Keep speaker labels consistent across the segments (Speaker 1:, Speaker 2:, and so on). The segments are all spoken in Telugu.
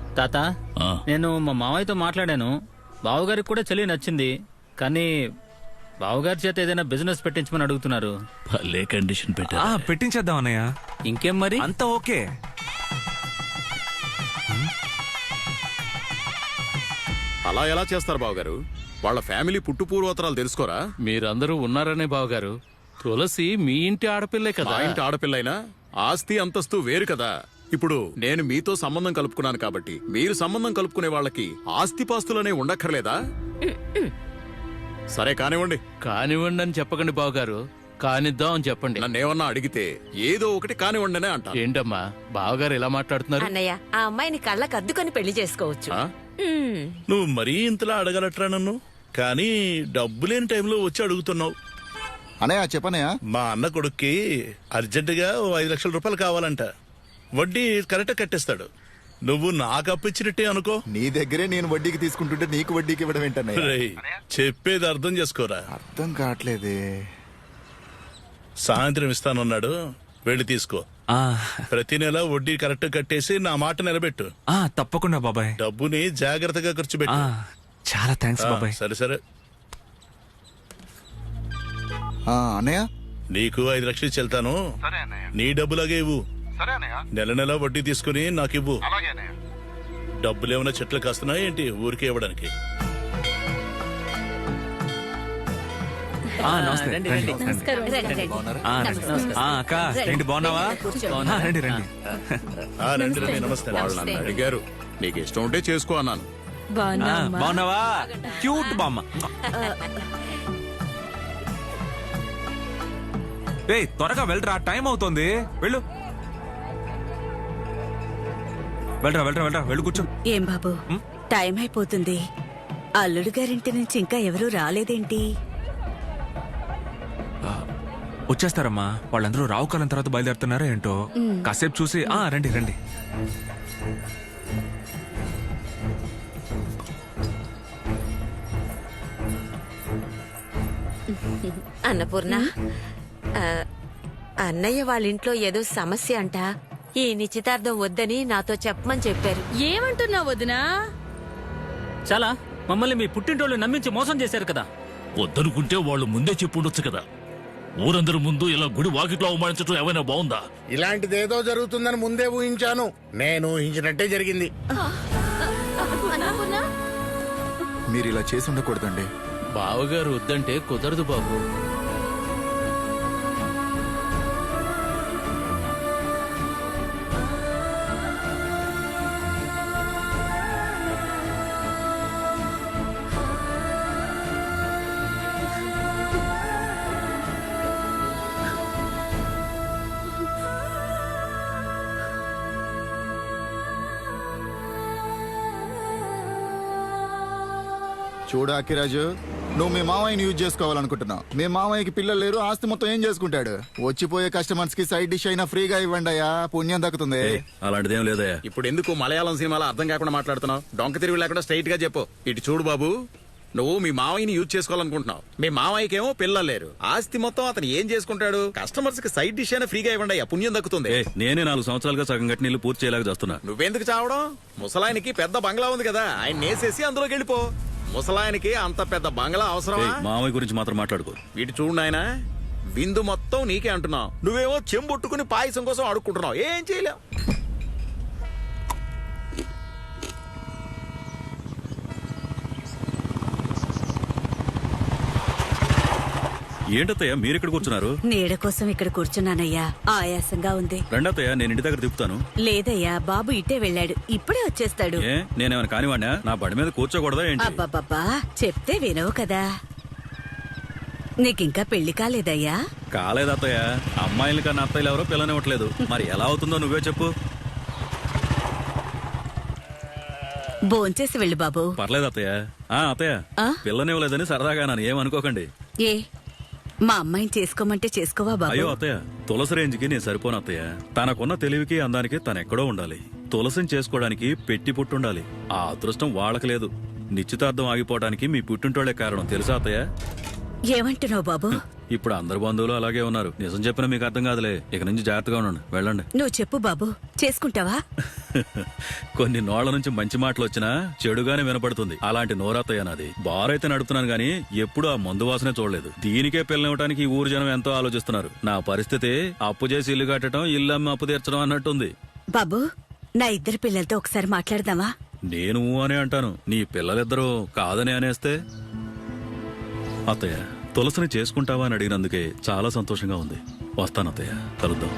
Speaker 1: తాత, నేను మా మావయ్యతో మాట్లాడాను. బావగారికి కూడా చెల్లి నచ్చింది. కానీ బావగారి చేత ఏదైనా బిజినెస్ పెట్టించమని అడుగుతున్నారు.
Speaker 2: భలే కండిషన్ పెట్టా.
Speaker 3: పెట్టించేద్దాం అన్నయ్య.
Speaker 1: ఇంకేం మరి?
Speaker 3: అంతా ఓకే.
Speaker 4: అలా ఎలా చేస్తారు బావగారు? వాళ్ళ ఫ్యామిలీ పుట్టు పూర్వోత్తరాలు తెలుసుకోరా?
Speaker 2: మీరందరూ ఉన్నారనే బావగారు. తులసి మీ ఇంటి ఆడపిల్లే కదా.
Speaker 4: మా ఇంటి ఆడపిల్లైనా ఆస్తి అంతస్తు వేరు కదా. ఇప్పుడు నేను మీతో సంబంధం కలుపుకున్నాను కాబట్టి మీరు సంబంధం కలుపుకునే వాళ్ళకి ఆస్తిపాస్తులనే ఉండక్కర్లేదా? సరే కానివ్వండి.
Speaker 2: కానివ్వండి అని చెప్పకండి బావగారు, కానిద్దాం అని చెప్పండి.
Speaker 4: నన్నేమన్నా అడిగితే ఏదో ఒకటి కానివ్వండినే అంటా.
Speaker 2: ఏంటమ్మా బావగారు ఎలా మాట్లాడుతున్నారు?
Speaker 5: అన్నయ్య, ఆ అమ్మాయిని కళ్ళకు అద్దుకొని పెళ్లి చేసుకోవచ్చు.
Speaker 6: నువ్వు మరీ ఇంతలా అడగలట్రా నన్ను. కానీ డబ్బు లేని టైంలో వచ్చి అడుగుతున్నావు.
Speaker 7: అనయా చెప్పనయా.
Speaker 6: మా అన్న కొడుక్కి అర్జెంటుగా 5 లక్షల రూపాయలు కావాలంట. వడ్డీ కరెక్ట్ కట్టేస్తాడు. నువ్వు నాకు అప్పిచ్చినట్టే అనుకో.
Speaker 7: నీ దగ్గరే నేను వడ్డీకి తీసుకుంటుంటే నీకు వడ్డీకి ఇవ్వడం ఏంటన్నయ్య?
Speaker 6: రేయ్, చెప్పేది అర్థం చేసుకోరా.
Speaker 7: అర్థం కావట్లేదే.
Speaker 6: సాయంత్రం ఇస్తానన్నాడు, వెళ్ళి తీసుకో. ప్రతి నెల వడ్డీ కరెక్ట్ కట్టేసి నా మాట నిలబెట్టు.
Speaker 3: తప్పకుండా బాబాయ్.
Speaker 6: డబ్బుని జాగ్రత్తగా ఖర్చు పెట్టు.
Speaker 3: చాలా థ్యాంక్స్ బాబాయ్.
Speaker 6: సరే సరే.
Speaker 7: అన్నయ్య
Speaker 6: నీకు 5 లక్షలు చెల్తాను. నీ డబ్బులాగే ఇవ్వు. నెల నెల వడ్డీ తీసుకుని నాకు ఇవ్వు. డబ్బులు ఏమైనా చెట్లు కాస్తున్నాయి ఏంటి ఊరికే ఇవ్వడానికి?
Speaker 3: అక్క ఏంటి బాగున్నావా? రండి రండి.
Speaker 6: రండి రండి. నమస్తే.
Speaker 4: వాళ్ళని అడిగారు, నీకు ఇష్టం ఉంటే చేసుకో అన్నాను.
Speaker 3: బాగున్నావా? క్యూట్ బామ్మ. త్వరగా వెళ్ళరా, టైం అవుతోంది. వెళ్ళు వెళ్ళరా వెళ్ళరా వెళ్ళరా, వెళ్ళు కూర్చో.
Speaker 8: ఏం బాబు, టైం అయిపోతుంది. అల్లుడు గారింటి నుంచి ఇంకా ఎవరూ రాలేదేంటి?
Speaker 3: వచ్చేస్తారమ్మా, వాళ్ళందరూ రావుకాలం తర్వాత బయలుదేరుతున్నారా ఏంటో. కాసేపు చూసి రండి రండి.
Speaker 5: అన్నపూర్ణ, అన్నయ్య వాళ్ళ ఇంట్లో ఏదో సమస్య అంట. ఈ నిశ్చితార్థం వద్దని నాతో చెప్పమని చెప్పారు.
Speaker 8: ఏమంటున్నావు వదినా?
Speaker 1: చాలా మమ్మల్ని మీ పుట్టింటోళ్ళు నమ్మించి మోసం చేశారు కదా.
Speaker 2: వద్దనుకుంటే వాళ్ళు ముందే చెప్పుండొచ్చు కదా. ఊరందరి ముందు ఇలా గుడి వాకిట్లో అవమానించడం ఏమైనా బాగుందా?
Speaker 9: ఇలాంటిదేదో జరుగుతుందని ముందే ఊహించాను. నేను ఊహించినట్టే జరిగింది.
Speaker 7: మీరు ఇలా చేసి ఉండకూడదండి.
Speaker 2: బావగారు వద్దంటే కుదరదు బాబు.
Speaker 7: చూడు అక్కిరాజు, నువ్వు మీ మామయ్యని యూజ్ చేసుకోవాలనుకుంటున్నావు. మీ మామయ్యకి పిల్లలు లేరు, ఆస్తి మొత్తం ఏం చేసుకుంటాడు? వచ్చిపోయే కస్టమర్స్ కి సైడ్ డిష్ అయినా ఫ్రీగా ఇవ్వండి అయ్యా, పుణ్యం దక్కుతుంది.
Speaker 6: అలాంటిదేం లేదయ్యా.
Speaker 4: ఇప్పుడు ఎందుకు మలయాళం సినిమాలో అర్థం కాకుండా మాట్లాడుతున్నావు? డొంక తిరిగి లేకుండా స్ట్రైట్ గా చెప్పు. ఇటు చూడు బాబు, నువ్వు మీ మావయ్యని యూజ్ చేసుకోవాలనుకుంటున్నావు. మీ మావయ్యకేమో పిల్లలు లేరు, ఆస్తి మొత్తం అతను ఏం చేసుకుంటాడు? కస్టమర్స్ కి సైడ్ డిష్ అయినా ఫ్రీగా ఇవ్వండి అయ్యా, పుణ్యం దక్కుతుంది.
Speaker 6: నేనే 4 సంవత్సరాలుగా సగం గట్టి నీళ్ళు పూర్తి చేయలేక చేస్తున్నా.
Speaker 4: నువ్వెందుకు చావడం? ముసలాయనికి పెద్ద బంగ్లా ఉంది కదా, ఆయన నేసేసి అందులోకి వెళ్ళిపో. ముసలాయనికి అంత పెద్ద బంగ్లా అవసరమా?
Speaker 6: మామయ్య గురించి మాత్రం మాట్లాడుకో.
Speaker 4: వీటి చూడు నాయనా, విందు మొత్తం నీకే అంటున్నావు. నువ్వేమో చెంబొట్టుకుని పాయసం కోసం అడుక్కుంటున్నావు. ఏం చేయలేవు.
Speaker 6: ఏంటత్తయ్య మీరు ఇక్కడ కూర్చున్నారు?
Speaker 8: నీడ కోసం ఇక్కడ కూర్చున్నానయ్యా, ఆయాసంగా ఉంది.
Speaker 6: రెండత్తయ్య, నేను ఇంటి దగ్గర తిప్పుతాను.
Speaker 8: లేదయ్యా, బాబు ఇట్టే వెళ్ళాడు, ఇప్పుడే వచ్చేస్తాడు.
Speaker 6: నేనేమైనా కానివాడినా? నా బండి మీద కూర్చోకూడదా ఏంటి?
Speaker 8: అబ్బబ్బబ్బా, చెప్తే వినవు కదా. నీకింకా పెళ్లి కాలేదయ్యా?
Speaker 6: కాలేదత్తయ్య. అమ్మాయిల కన్నా అత్తయ్యలు ఎవరో పిల్లనివ్వట్లేదు. మరి ఎలా అవుతుందో నువ్వే చెప్పు.
Speaker 8: భోంచేసి వెళ్ళు బాబు.
Speaker 6: పర్లేదు అత్తయ్య. అత్తయ్య, పిల్లనివ్వలేదని సరదాగా నన్ను ఏమనుకోకండి.
Speaker 8: ఏ మా అమ్మాయిని చేసుకోమంటే చేసుకోవా బాబు?
Speaker 6: అయ్యో అత్తయ్య, తులసి రేంజ్కి నేను సరిపోను అత్తయ్య. తనకున్న తెలివికి అందానికి తనెక్కడో ఉండాలి. తులసిని చేసుకోవడానికి పెట్టి పుట్టుండాలి. ఆ అదృష్టం వాళ్ళకి లేదు. నిశ్చితార్థం ఆగిపోవడానికి మీ పుట్టింటోళ్లే కారణం తెలుసా అత్తయ్య?
Speaker 8: ఏమంటున్నావు బాబు?
Speaker 10: ఇప్పుడు అందరు బంధువులు అలాగే ఉన్నారు. నిజం చెప్పినా మీకు అర్థం కాదులే. ఇక నుంచి జాగ్రత్తగా ఉండండి. వెళ్ళండి.
Speaker 8: నువ్వు చెప్పు బాబు, చేసుకుంటావా?
Speaker 10: కొన్ని నోళ్ల నుంచి మంచి మాటలు వచ్చినా చెడుగానే వినపడుతుంది. అలాంటి నోరత్తయ్య నాది. బారైతే నడుపుతున్నాను గానీ ఎప్పుడు ఆ మందు వాసనే చూడలేదు. దీనికే పిల్లనివ్వడానికి ఈ ఊరు జనం ఎంతో ఆలోచిస్తున్నారు. నా పరిస్థితి అప్పు చేసి ఇల్లు కట్టడం, ఇల్లు అమ్మి అప్పు తీర్చడం అన్నట్టుంది.
Speaker 8: బాబు, నా ఇద్దరు పిల్లలతో ఒకసారి మాట్లాడదామా?
Speaker 10: నేను అనే అంటాను, నీ పిల్లలిద్దరూ కాదని అనేస్తే? అత్తయ్య, తులసిని చేసుకుంటావా అని అడిగినందుకే చాలా సంతోషంగా ఉంది. వస్తాను అత్తయ్య, కలుద్దాం.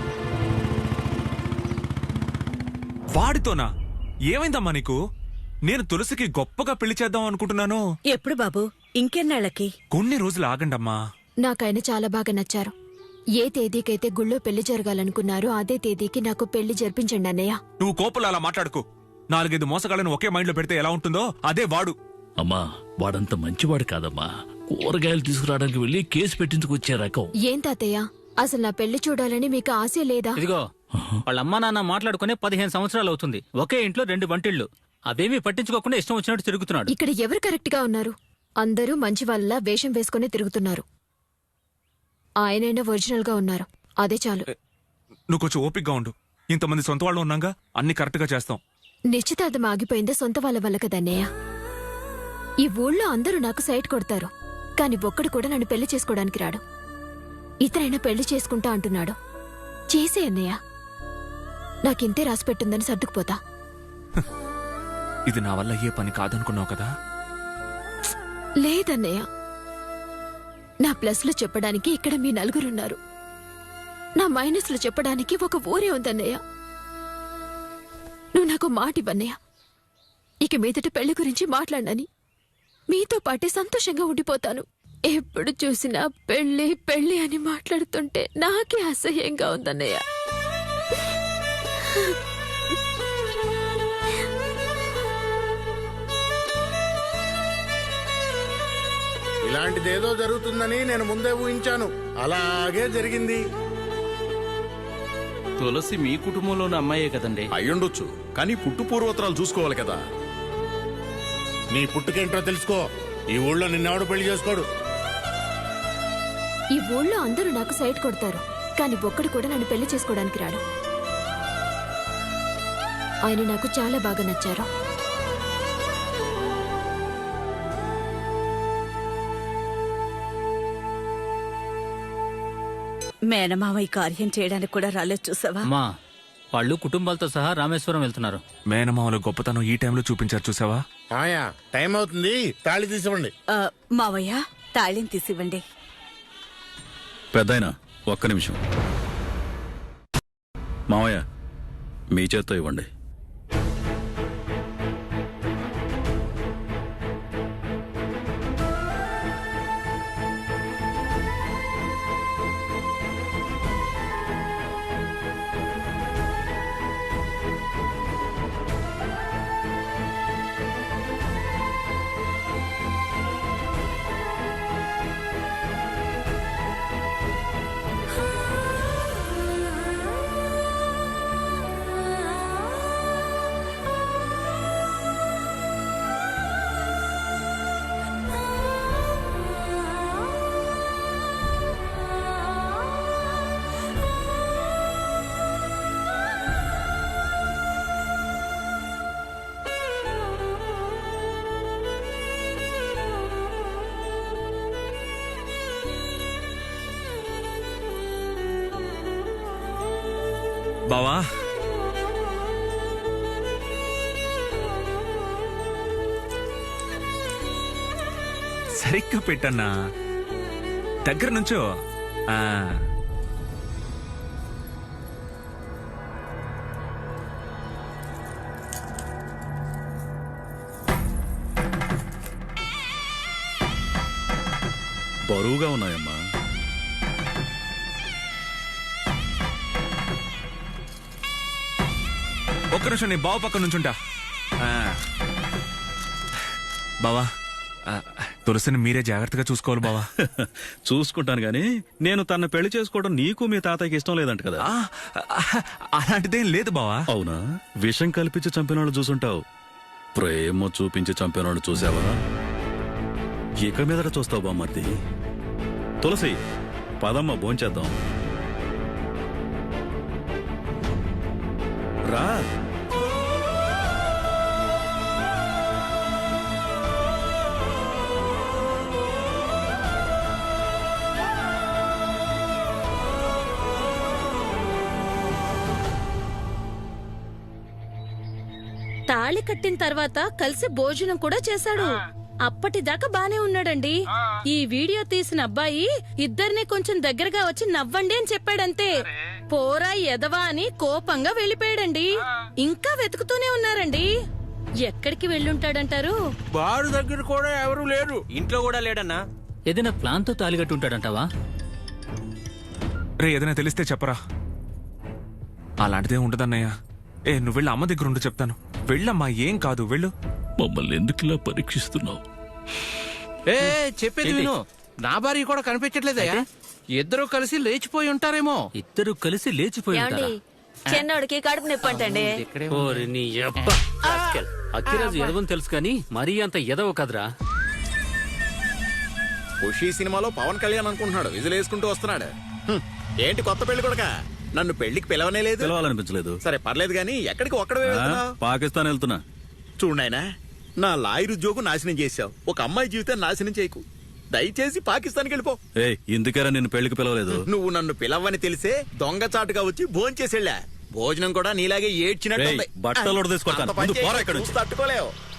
Speaker 3: వాడితోనా? ఏమైందమ్మా నీకు? నేను తులసికి గొప్పగా పెళ్లి చేద్దాం అనుకుంటున్నాను.
Speaker 8: ఎప్పుడు బాబు? ఇంకెన్నాళ్ళకి?
Speaker 3: కొన్ని రోజులు ఆగండమ్మా.
Speaker 11: నాకైనా చాలా బాగా నచ్చారు. ఏ తేదీకైతే గుళ్ళో పెళ్లి జరగాలనుకున్నారో అదే తేదీకి నాకు పెళ్లి జరిపించండి అన్నయ్య.
Speaker 3: నువ్వు కోపలు అలా మాట్లాడుకో. 4-5 మోసగాళ్ళను ఒకే మైండ్ లో పెడితే ఎలా ఉంటుందో అదే వాడు.
Speaker 2: అమ్మా, వాడంత మంచివాడు కాదమ్మా. కూరగాయలు తీసుకురావడానికి వెళ్లి కేసు పెట్టించుకొచ్చే రకం.
Speaker 11: ఏం తాతయ్య, అసలు నా పెళ్లి చూడాలని మీకు ఆశ లేదా?
Speaker 1: ఇదిగో, వాళ్ళ అమ్మా నాన్న మాట్లాడుకునే 15 సంవత్సరాలు అవుతుంది. ఒకే ఇంట్లో 2 వంటిళ్ళు. అవేమీ పట్టించుకోకుండా ఇష్టం వచ్చినట్టు తిరుగుతున్నాడు.
Speaker 11: ఇక్కడ ఎవరు కరెక్ట్ గా ఉన్నారు? అందరూ మంచి వాళ్ళ వేషం వేసుకుని తిరుగుతున్నారు. ఆయనైనా ఒరిజినల్ గా ఉన్నారు, అదే చాలు.
Speaker 3: నువ్వు కొంచెం ఓపిగ్గా ఉండు. ఇంతమంది సొంత వాళ్ళు ఉన్నాగా, అన్ని కరెక్ట్ గా చేస్తాం.
Speaker 11: నిశ్చితార్థం ఆగిపోయిందే సొంత వాళ్ళ వల్ల కదన్నయ్య. ఈ ఊళ్ళో అందరూ నాకు సైట్ కొడతారు, కాని ఒక్కడు కూడా నన్ను పెళ్లి చేసుకోవడానికి రాడు. ఇతరైనా పెళ్లి చేసుకుంటా అంటున్నాడు. చేసే అన్నయ్య, నాకింతే రాసిపెట్టుందని సర్దుకుపోతా.
Speaker 3: ఇది నా వల్ల ఏ పని కాదనుకున్నావు కదా?
Speaker 11: లేదన్నయ్య, నా ప్లస్లు చెప్పడానికి ఇక్కడ మీ నలుగురున్నారు. నా మైనస్లు చెప్పడానికి ఒక ఊరే ఉందన్నయ్య. నువ్వు నాకు మాట ఇవ్వన్నయ్య. ఇక మీదట పెళ్లి గురించి మాట్లాడనని మీతో పాటే సంతోషంగా ఉండిపోతాను. ఎప్పుడు చూసినా పెళ్లి పెళ్లి అని మాట్లాడుతుంటే నాకే అసహ్యంగా ఉందన్నయ్య.
Speaker 9: ఇలాంటిదేదో జరుగుతుందని నేను ముందే ఊహించాను. అలాగే జరిగింది.
Speaker 12: తులసి మీ కుటుంబంలోని అమ్మాయే కదండి?
Speaker 4: అయ్యుండొచ్చు, కానీ పుట్టు పూర్వోత్తరాలు చూసుకోవాలి కదా.
Speaker 9: నీ పుట్టుకేంటో తెలుసుకో. ఈ ఊళ్ళో నిన్నెవడు పెళ్లి చేసుకోడు.
Speaker 11: ఈ ఊళ్ళో అందరూ నాకు సైట్ కొడతారు, కాని ఒక్కడు కూడా నన్ను పెళ్లి చేసుకోవడానికి రాడు. ఆయన నాకు చాలా బాగా నచ్చారు.
Speaker 8: మేనమామ ఈ కార్యం చేయడానికి కూడా రాలేదు, చూసావా?
Speaker 1: అమ్మా, వాళ్ళు కుటుంబాలతో సహా రామేశ్వరం వెళ్తున్నారు.
Speaker 3: మేనమామల గొప్పతనం ఈ టైంలో చూపించారు, చూసావా?
Speaker 9: మాయా, టైం అవుతుంది, తాళి తీసివ్వండి.
Speaker 8: మావయ్య, తాళిని తీసివ్వండి.
Speaker 10: పెద్దాయనా, ఒక్క నిమిషం. మావయ్య, మీ చేత్తో ఇవ్వండి.
Speaker 3: బావా, సరిగ్గా పెట్టన్నా. దగ్గర నుంచో.
Speaker 10: బరువుగా ఉన్నాయమ్మా.
Speaker 3: ఒక్క నిమిషం, నీ బావ పక్క నుంచుంటా. బావా, తులసిని మీరే జాగ్రత్తగా చూసుకోవాలి బావా.
Speaker 10: చూసుకుంటాను గాని నేను తన పెళ్లి చేసుకోవడం నీకు మీ తాతయ్యకి ఇష్టం లేదంట కదా?
Speaker 3: అలాంటిదేం లేదు బావా.
Speaker 10: అవునా? విషం కల్పించి చంపిన వాళ్ళు చూసుంటావు, ప్రేమ చూపించి చంపిన వాళ్ళు చూసావా? ఇక మీదట చూస్తావు బామ్మర్ది. తులసి, పదమ్మ భోంచేద్దాం. రా.
Speaker 8: తాళి కట్టిన తర్వాత కలిసి భోజనం కూడా చేశాడు. అప్పటిదాకా బానే ఉన్నాడండి. ఈ వీడియో తీసిన అబ్బాయి ఇద్దరిని కొంచెం దగ్గరగా వచ్చి నవ్వండి అని చెప్పాడంతే. పోరా ఎదవా అని కోపంగా వెళ్ళిపోయాడండి. ఇంకా వెతుకుతూనే ఉన్నారండి. ఎక్కడికి వెళ్ళుంటాడంటారు?
Speaker 12: బారు దగ్గర కూడా ఎవరు లేరు. ఇంట్లో కూడా లేడన్నా.
Speaker 1: ఏదైనా ప్లాన్ తో తాలిగట్టు ఉంటాడంటావా?
Speaker 3: రే ఏదైనా తెలిస్తే చెప్పరా. అలాంటిదే ఉండదన్నయ్య. నువ్వు వెళ్ళి అమ్మ దగ్గర ఉండు, చెప్తాను. వెళ్ళమ్మా, ఏం కాదు, వెళ్ళు.
Speaker 2: మమ్మల్ని ఎందుకు ఇలా పరీక్షిస్తున్నావు?
Speaker 12: ఏ చెప్పేది విను. నా భార్య కూడా కనిపించట్లేదయ్యా. ఇద్దరు కలిసి లేచిపోయి ఉంటారేమో.
Speaker 1: ఇద్దరు కలిసి లేచిపోయి
Speaker 5: ఏమండి చిన్నోడికి కడుపు నొప్పి అంటండి.
Speaker 1: అక్కిరాజు ఎదవని తెలుసు కానీ మరీ అంత ఎదవ కదరా.
Speaker 4: ఖుషీ సినిమాలో పవన్ కళ్యాణ్ అనుకుంటున్నాడు, విజులేసుకుంటూ వస్తున్నాడు. ఏంటి కొత్త పెళ్లి కొడుక, నన్ను పెళ్లికి పిలవనే లేదు.
Speaker 10: పిలవాలనిపించలేదు.
Speaker 4: సరే పర్లేదు గానీ ఎక్కడికి ఒక్కడే వెళ్తున్నావు?
Speaker 10: పాకిస్తాన్ వెళ్తున్నా.
Speaker 4: చూడాయనా, నా లాయర్ ఉద్యోగం నాశనం చేశావు. ఒక అమ్మాయి జీవితాన్ని నాశనం చేయకు. దయచేసి పాకిస్తాన్కి వెళ్ళిపో.
Speaker 10: ఇందుకేరా నిన్ను పెళ్లికి పిలవలేదు.
Speaker 4: నువ్వు నన్ను పిలవని తెలిసే దొంగచాటుగా వచ్చి భోంచేసి వెళ్ళా. భోజనం కూడా నీలాగే ఏడ్చినట్టు
Speaker 10: బట్టలు తీసుకొస్తాను.
Speaker 4: తట్టుకోలేవు.